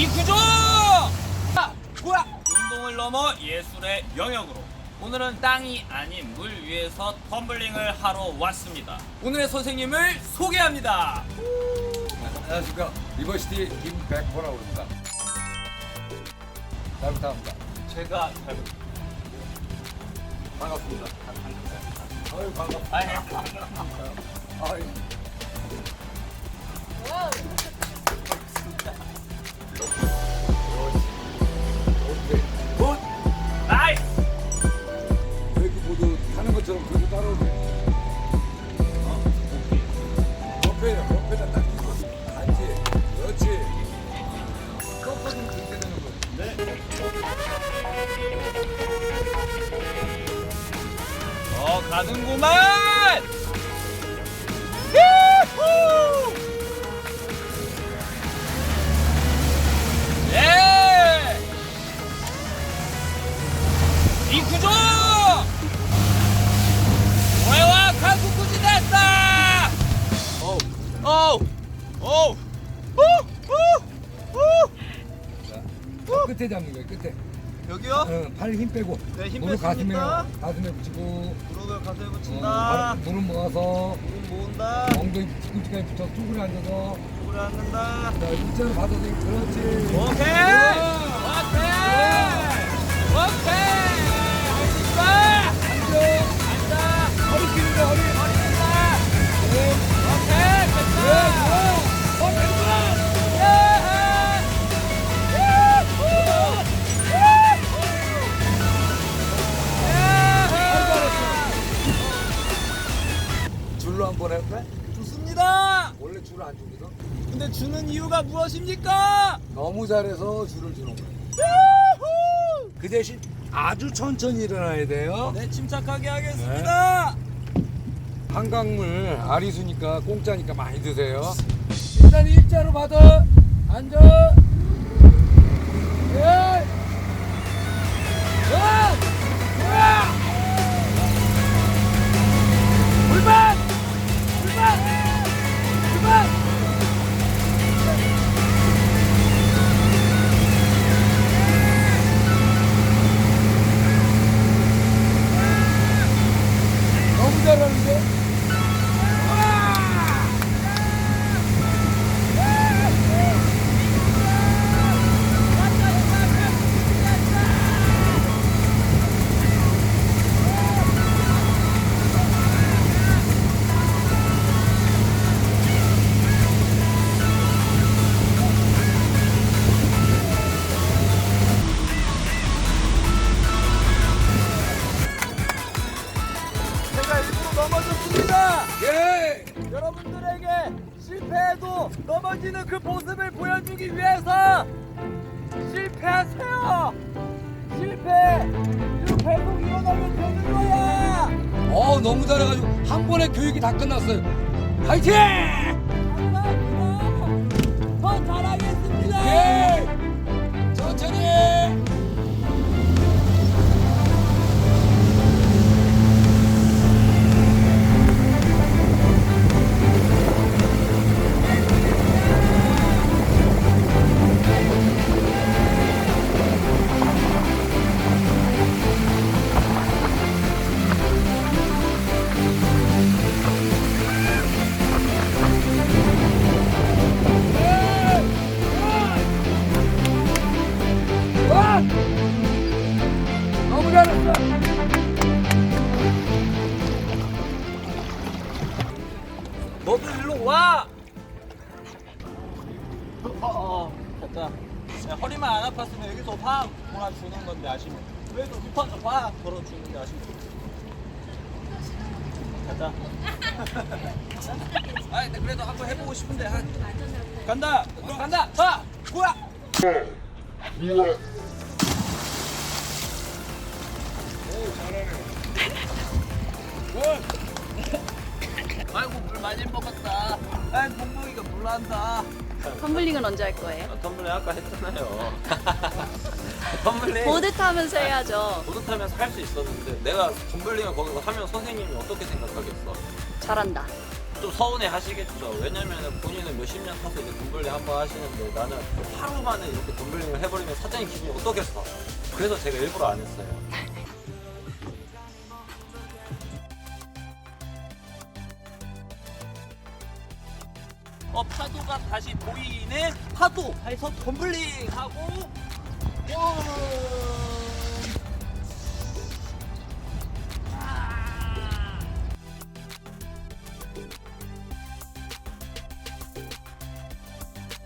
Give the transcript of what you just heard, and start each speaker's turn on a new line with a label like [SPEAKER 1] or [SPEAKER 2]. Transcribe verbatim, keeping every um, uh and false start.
[SPEAKER 1] 이 구조! 아, 뭐야? 운동을 넘어 예술의 영역으로 오늘은 땅이 아닌 물 위에서 텀블링을 하러 왔습니다. 오늘의 선생님을 소개합니다.
[SPEAKER 2] 안녕하십니까, 리버시티 김백호라고 합니다. 잘 부탁합니다.
[SPEAKER 1] 제가 잘
[SPEAKER 2] 반갑습니다. 아유, 반갑습니다. 아유. 오케이.
[SPEAKER 1] 굿! 나이스!
[SPEAKER 2] 웨이크보드 타는 것처럼 그렇게 따라오네. 옆에요, 옆에다 딱 끼고. 안지, 그렇지. 꺾어주면 그렇게 되는 거야.
[SPEAKER 1] 네. 어, 가는구만! 유후! 예! 이 구조! 오해와 가쿠쿠지 됐다! 어우, 어우, 어우, 후, 후, 후!
[SPEAKER 2] 자, 끝에 잡는 거야, 끝에.
[SPEAKER 3] 여기요?
[SPEAKER 2] 어, 팔 힘 빼고.
[SPEAKER 3] 네, 힘
[SPEAKER 2] 무릎 가슴에,
[SPEAKER 3] 뺐습니다.
[SPEAKER 2] 가슴에 붙이고.
[SPEAKER 3] 무릎을 가슴에
[SPEAKER 2] 어,
[SPEAKER 3] 붙인다.
[SPEAKER 2] 발- 무릎 모아서.
[SPEAKER 3] 무릎 모은다.
[SPEAKER 2] 엉덩이 뒤꿈치까지 붙여 쭈그려 앉아서.
[SPEAKER 3] 무릎을 앉는다.
[SPEAKER 2] 자, 일자로 받아서 그렇지.
[SPEAKER 1] 오케이! 오케이! 오케이! 할수
[SPEAKER 2] 앉아.
[SPEAKER 1] 앉아!
[SPEAKER 2] 허리 끼는 거, 허리.
[SPEAKER 1] 머리 된다!
[SPEAKER 2] 네.
[SPEAKER 1] 오케이!
[SPEAKER 2] 네,
[SPEAKER 1] 됐다!
[SPEAKER 2] 좋아. 어, 됐구나. 줄로 한번 해볼래?
[SPEAKER 3] 좋습니다.
[SPEAKER 2] 원래 줄을 안 주거든.
[SPEAKER 3] 근데 주는 이유가 무엇입니까?
[SPEAKER 2] 너무 잘해서 줄을 주는 거야. 그 대신 아주 천천히 일어나야 돼요.
[SPEAKER 3] 네, 침착하게 하겠습니다.
[SPEAKER 2] 한강물 아리수니까 공짜니까 많이 드세요. 일단 일자로 받아. 앉아. 예. 원. 와. 불만. 불만. 불만. 너무 잘하는데?
[SPEAKER 3] 제가 일부러 넘어졌습니다.
[SPEAKER 2] 예!
[SPEAKER 3] 여러분들에게 실패해도 넘어지는 그 모습을 보여주기 위해서 실패하세요. 실패. 그리고 계속 일어나면 되는 거야.
[SPEAKER 2] 어, 너무 잘해가지고 한 번에 교육이 다 끝났어요. 화이팅!
[SPEAKER 3] 감사합니다. 더 잘하겠습니다.
[SPEAKER 2] 예! 천천히! 와! 너무 잘했어!
[SPEAKER 3] 너도 일로 와. 어, 어, 됐다. 야, 허리만 안 아팠으면 여기서 확 몰아주는 건데 아시면 왜또 힙한서 확 걸어주는데 아시면 됐다. 아, 근데 그래도 한번 해보고 싶은데 한. 간다, 간다, 자, 뭐야? 아이고 물 많이 먹었다. 아, 봉봉이가 물난다.
[SPEAKER 4] 텀블링은 언제 할 거예요?
[SPEAKER 1] 텀블링 아까 했잖아요. 텀블링
[SPEAKER 4] 보드 타면서 해야죠.
[SPEAKER 1] 보드 타면서 할 수 있었는데 내가 텀블링을 거기서 하면 선생님이 어떻게 생각하겠어?
[SPEAKER 4] 잘한다.
[SPEAKER 3] 좀 서운해 하시겠죠. 왜냐면 본인은 몇십 년 타서 이제 덤블링 한번 하시는데 나는 하루 만에 이렇게 덤블링을 해버리면 사장님 기분이 어떻겠어. 그래서 제가 일부러 안 했어요. 어, 파도가 다시 보이네. 파도 해서 덤블링 하고 와.